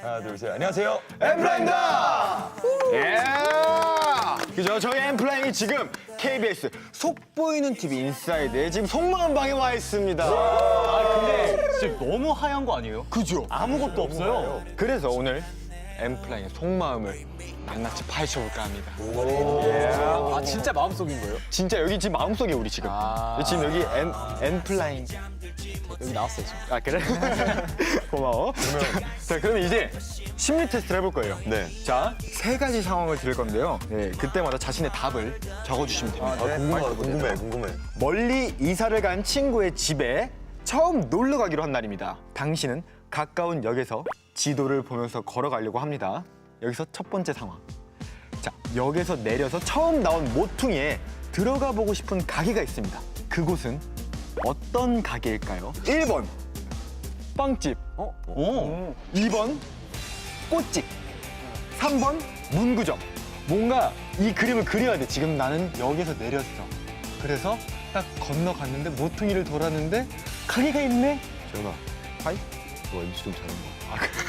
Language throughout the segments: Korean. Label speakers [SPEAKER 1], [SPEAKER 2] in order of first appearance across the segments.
[SPEAKER 1] 하나, 둘, 셋. 안녕하세요.
[SPEAKER 2] 엠플라잉입니다. 예. 그죠? 저희 엠플라잉이 지금 KBS 속보이는 TV 인사이드에 지금 속마음 방에 와 있습니다.
[SPEAKER 3] 근데 지금 너무 하얀 거 아니에요?
[SPEAKER 2] 그죠?
[SPEAKER 3] 아무것도 없어요.
[SPEAKER 2] 그래서 오늘 엠플라잉의 속마음을 낱낱이 파헤쳐볼까 합니다.
[SPEAKER 4] 아 진짜 마음속인 거예요?
[SPEAKER 2] 진짜 여기 지금 마음속에 우리 지금. 지금 여기 엠플라잉.
[SPEAKER 4] 여기 나왔어요 지금.
[SPEAKER 2] 아 그래? 고마워. 자 그러면 이제 심리 테스트를 해볼 거예요.
[SPEAKER 1] 네.
[SPEAKER 2] 자, 세 가지 상황을 드릴 건데요. 네, 그때마다 자신의 답을 적어주시면 됩니다.
[SPEAKER 1] 궁금해.
[SPEAKER 2] 멀리 이사를 간 친구의 집에 처음 놀러 가기로 한 날입니다. 당신은 가까운 역에서 지도를 보면서 걸어가려고 합니다. 여기서 첫 번째 상황. 자, 역에서 내려서 처음 나온 모퉁이에 들어가 보고 싶은 가게가 있습니다. 그곳은 어떤 가게일까요? 1번 빵집,
[SPEAKER 3] 오.
[SPEAKER 2] 2번 꽃집, 3번 문구점. 뭔가 이 그림을 그려야 돼. 지금 나는 역에서 내렸어. 그래서 딱 건너갔는데 모퉁이를 돌았는데 가게가 있네.
[SPEAKER 1] 재현아,
[SPEAKER 2] 하이?
[SPEAKER 1] 너 MC 좀 잘한 거.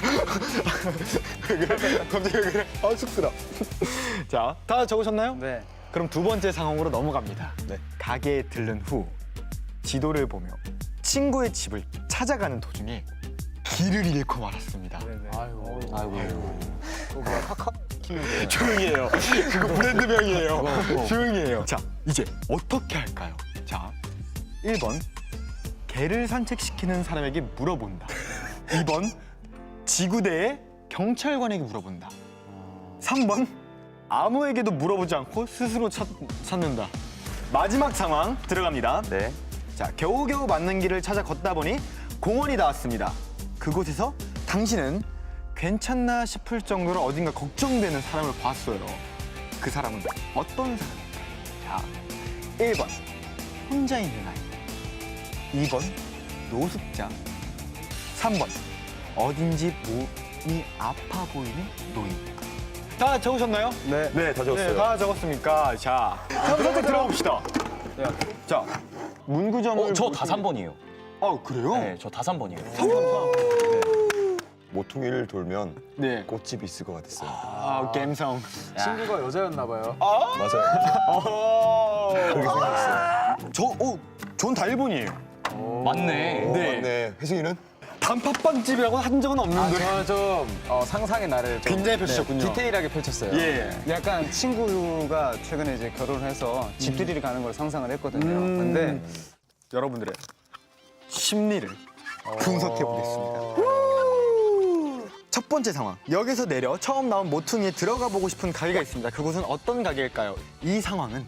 [SPEAKER 2] 왜 그래? 갑자기 왜 그래? 아 쑥스러워. 자, 다 적으셨나요?
[SPEAKER 4] 네.
[SPEAKER 2] 그럼 두 번째 상황으로 넘어갑니다.
[SPEAKER 1] 네.
[SPEAKER 2] 가게에 들른 후 지도를 보며 친구의 집을 찾아가는 도중에 길을 잃고 말았습니다.
[SPEAKER 4] 아이고.
[SPEAKER 2] 조용히 해요. 그거 브랜드명이에요. 조용히 해요. 자, 이제 어떻게 할까요? 자, 1번 개를 산책시키는 사람에게 물어본다. 2번 지구대의 경찰관에게 물어본다. 3번 아무에게도 물어보지 않고 스스로 찾는다. 마지막 상황 들어갑니다.
[SPEAKER 1] 네.
[SPEAKER 2] 자, 겨우겨우 맞는 길을 찾아 걷다 보니 공원이 닿았습니다. 그곳에서 당신은 괜찮나 싶을 정도로 어딘가 걱정되는 사람을 봤어요. 그 사람은 어떤 사람일까요? 자, 1번 혼자 있는 아이, 2번 노숙자, 3번 어딘지 몸이 아파 보이는 노인. 다 적으셨나요?
[SPEAKER 4] 네.
[SPEAKER 1] 네, 다 적었어요.
[SPEAKER 2] 네, 다 적었습니까? 자, 다음 선택 들어봅시다. 자, 문구점을
[SPEAKER 3] 저 다 3번이에요.
[SPEAKER 2] 아, 그래요?
[SPEAKER 3] 네, 저 다 3번이에요.
[SPEAKER 1] 모퉁이를 돌면
[SPEAKER 2] 네.
[SPEAKER 1] 꽃집이 있을 것 같았어요.
[SPEAKER 2] 아, 갬성.
[SPEAKER 4] 친구가 여자였나 봐요.
[SPEAKER 1] 맞아요. 그렇게 생각했어요.
[SPEAKER 2] 전다 1번이에요.
[SPEAKER 3] 맞네.
[SPEAKER 2] 네.
[SPEAKER 1] 네. 혜승이는?
[SPEAKER 2] 단팥빵집이라고 한 적은 없는데.
[SPEAKER 4] 저는 좀 상상의 나를 좀
[SPEAKER 2] 굉장히 펼치셨군요.
[SPEAKER 4] 디테일하게 펼쳤어요.
[SPEAKER 2] 예.
[SPEAKER 5] 약간 친구가 최근에 이제 결혼을 해서 집들이를 가는 걸 상상을 했거든요. 근데
[SPEAKER 2] 여러분들의 심리를 분석해 보겠습니다. 첫 번째 상황. 역에서 내려 처음 나온 모퉁이에 들어가 보고 싶은 가게가 있습니다. 그곳은 어떤 가게일까요? 이 상황은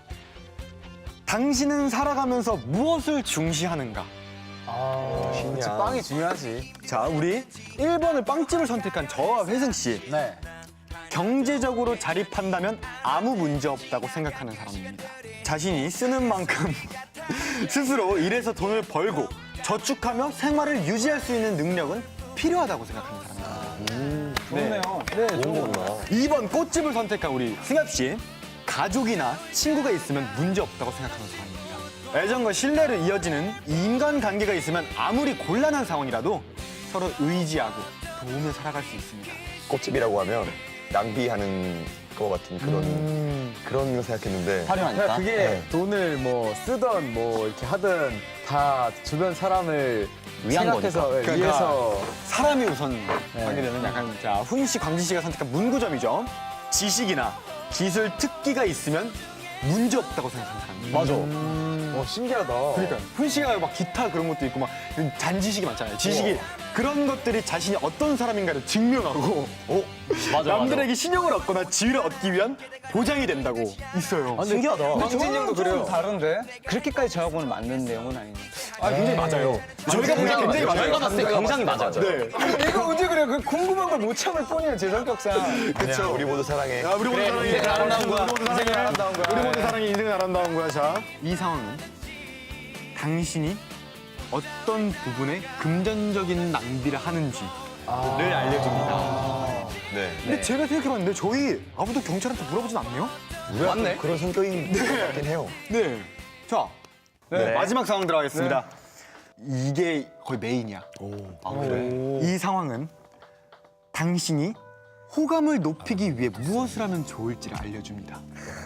[SPEAKER 2] 당신은 살아가면서 무엇을 중시하는가?
[SPEAKER 4] 그치, 빵이 중요하지.
[SPEAKER 2] 자, 우리 1번을 빵집을 선택한 저와 회승 씨.
[SPEAKER 4] 네.
[SPEAKER 2] 경제적으로 자립한다면 아무 문제 없다고 생각하는 사람입니다. 자신이 쓰는 만큼 스스로 일해서 돈을 벌고 저축하며 생활을 유지할 수 있는 능력은 필요하다고 생각하는 사람입니다.
[SPEAKER 5] 좋네요.
[SPEAKER 1] 좋은 거구나.
[SPEAKER 2] 2번 꽃집을 선택한 우리 승엽 씨. 가족이나 친구가 있으면 문제 없다고 생각하는 사람입니다. 애정과 신뢰를 이어지는 인간관계가 있으면 아무리 곤란한 상황이라도 서로 의지하고 도우며 살아갈 수 있습니다.
[SPEAKER 1] 꽃집이라고 하면 낭비하는 거 같은 그런 거 생각했는데.
[SPEAKER 4] 그러니까 그게
[SPEAKER 1] 네.
[SPEAKER 4] 돈을 뭐 쓰던 뭐 이렇게 하든 다 주변 사람을
[SPEAKER 3] 위한
[SPEAKER 4] 생각해서
[SPEAKER 3] 거니까.
[SPEAKER 4] 예,
[SPEAKER 2] 그러니까
[SPEAKER 4] 위해서
[SPEAKER 2] 사람이 우선 하게 되면 약간 자 훈 씨, 광진 씨가 선택한 문구점이죠. 지식이나 기술 특기가 있으면 문제 없다고 생각하는 사람입니다.
[SPEAKER 4] 맞아. 신기하다.
[SPEAKER 2] 그러니까 훈 씨가 막 기타 그런 것도 있고 막 잔지식이 많잖아요. 지식이 그런 것들이 자신이 어떤 사람인가를 증명하고
[SPEAKER 3] 맞아,
[SPEAKER 2] 남들에게 신용을 얻거나 지위를 얻기 위한 보장이 된다고 있어요.
[SPEAKER 3] 신기하다.
[SPEAKER 4] 광진 형도
[SPEAKER 5] 좀
[SPEAKER 4] 그래요.
[SPEAKER 5] 다른데 그렇게까지 저하고는 맞는 내용은 아니네.
[SPEAKER 2] 아, 굉장히 맞아요. 저희가 보기엔 굉장히 맞아요.
[SPEAKER 3] 저희가 봤을 때 굉장히 맞아요.
[SPEAKER 2] 네.
[SPEAKER 5] 이거 언제 그래요? 그 궁금한 걸 못 참을 뿐이에요, 제 성격상.
[SPEAKER 1] 그쵸. 우리 모두 사랑해.
[SPEAKER 2] 야, 우리 모두 사랑해.
[SPEAKER 3] 인생은 아름다운 거야.
[SPEAKER 2] 우리 모두 사랑해.
[SPEAKER 5] 인생은 아름다운 거야.
[SPEAKER 2] 우리 모두 사랑해. 인생은 아름다운 거야. 자, 이 상황은 당신이 어떤 부분에 금전적인 낭비를 하는지를 알려줍니다.
[SPEAKER 1] 네.
[SPEAKER 2] 근데 제가 생각해봤는데 저희 아무도 경찰한테 물어보진 않네요?
[SPEAKER 1] 우리가
[SPEAKER 3] 맞네.
[SPEAKER 1] 또 그런 성격인 것 같긴 해요.
[SPEAKER 2] 네. 자,
[SPEAKER 1] 네.
[SPEAKER 2] 마지막 상황 들어가겠습니다. 이게 거의 메인이야.
[SPEAKER 1] 아, 그래?
[SPEAKER 2] 이 상황은 당신이 호감을 높이기 위해 무엇을 하면 좋을지를 알려줍니다.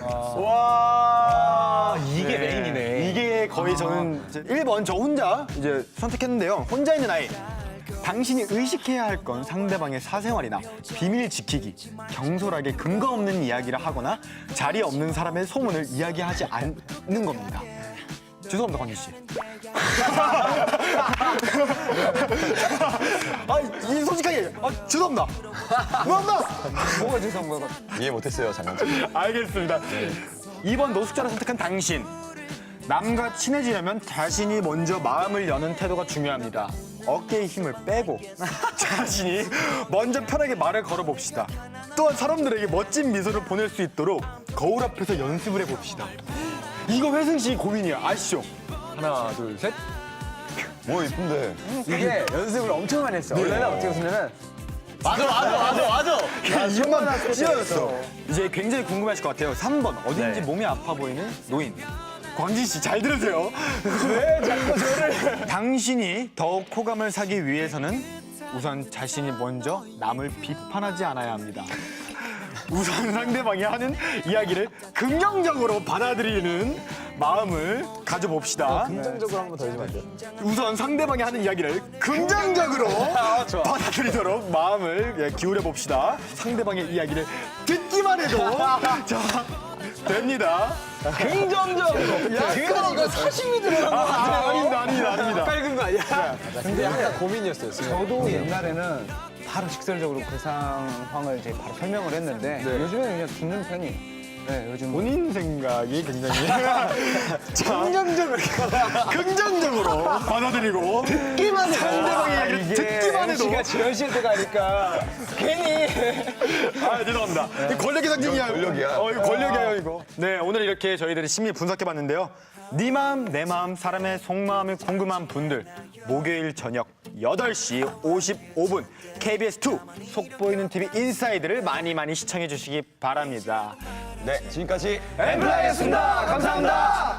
[SPEAKER 3] 이게 메인이네.
[SPEAKER 2] 이게 거의 저는 이제 1번 저 혼자 이제 선택했는데요. 혼자 있는 아이. 당신이 의식해야 할 건 상대방의 사생활이나 비밀 지키기, 경솔하게 근거 없는 이야기를 하거나 자리에 없는 사람의 소문을 이야기하지 않는 겁니다. 죄송합니다, 광기 씨. 이 솔직하게 죄송합니다. 죄송합니다.
[SPEAKER 5] 뭐가 죄송한 거야?
[SPEAKER 1] 이해 못했어요, 장난감.
[SPEAKER 2] 알겠습니다. 2번 노숙자를 선택한 당신. 남과 친해지려면 자신이 먼저 마음을 여는 태도가 중요합니다. 어깨에 힘을 빼고 자신이 먼저 편하게 말을 걸어봅시다. 또한 사람들에게 멋진 미소를 보낼 수 있도록 거울 앞에서 연습을 해봅시다. 이거 회승 씨 고민이야. 아시죠?
[SPEAKER 4] 하나, 둘, 셋.
[SPEAKER 1] 뭐 이쁜데.
[SPEAKER 4] 이게 연습을 엄청 많이 했어. 원래는 어떻게 했냐면
[SPEAKER 3] 맞아.
[SPEAKER 2] 이것만 찢어졌어. 이제 굉장히 궁금하실 것 같아요. 3번 어딘지 몸이 아파 보이는 노인. 광진 씨 잘 들으세요. 왜 자꾸 저를? 당신이 더욱 호감을 사기 위해서는 우선 자신이 먼저 남을 비판하지 않아야 합니다. 우선 상대방이 하는 이야기를 긍정적으로 받아들이는 마음을 가져봅시다.
[SPEAKER 4] 긍정적으로 한 번 더 해주면 안 돼요?
[SPEAKER 2] 우선 상대방이 하는 이야기를 긍정적으로 받아들이도록 마음을 기울여 봅시다. 상대방의 이야기를 듣기만 해도 자 됩니다.
[SPEAKER 3] 긍정적으로.
[SPEAKER 4] 그거 이거 사심이 들어간 거 같아요.
[SPEAKER 2] 아닙니다.
[SPEAKER 4] 빨간 거 아니야? 근데 항상 고민이었어요.
[SPEAKER 5] 저도 옛날에는 바로 직설적으로 그 상황을 이제 바로 설명을 했는데 요즘에는 그냥 듣는 편이에요. 네, 요즘
[SPEAKER 2] 본인 생각이 굉장히 긍정적으로 받아들이고
[SPEAKER 4] 듣기만 해도
[SPEAKER 2] 상대방의 이야기를 듣기만 해도
[SPEAKER 4] MC가 지현 씨한테 가니까 괜히
[SPEAKER 2] 죄송합니다. 이거 권력의 상징이야.
[SPEAKER 1] 권력이야.
[SPEAKER 2] 이거 권력이에요, 이거. 네, 오늘 이렇게 저희들이 심리 분석해봤는데요. 네 마음, 내 마음, 사람의 속마음이 궁금한 분들 목요일 저녁 8시 55분 KBS2 속보이는 TV 인사이드를 많이 시청해 주시기 바랍니다.
[SPEAKER 1] 네, 지금까지
[SPEAKER 2] 엠플라이였습니다. 감사합니다.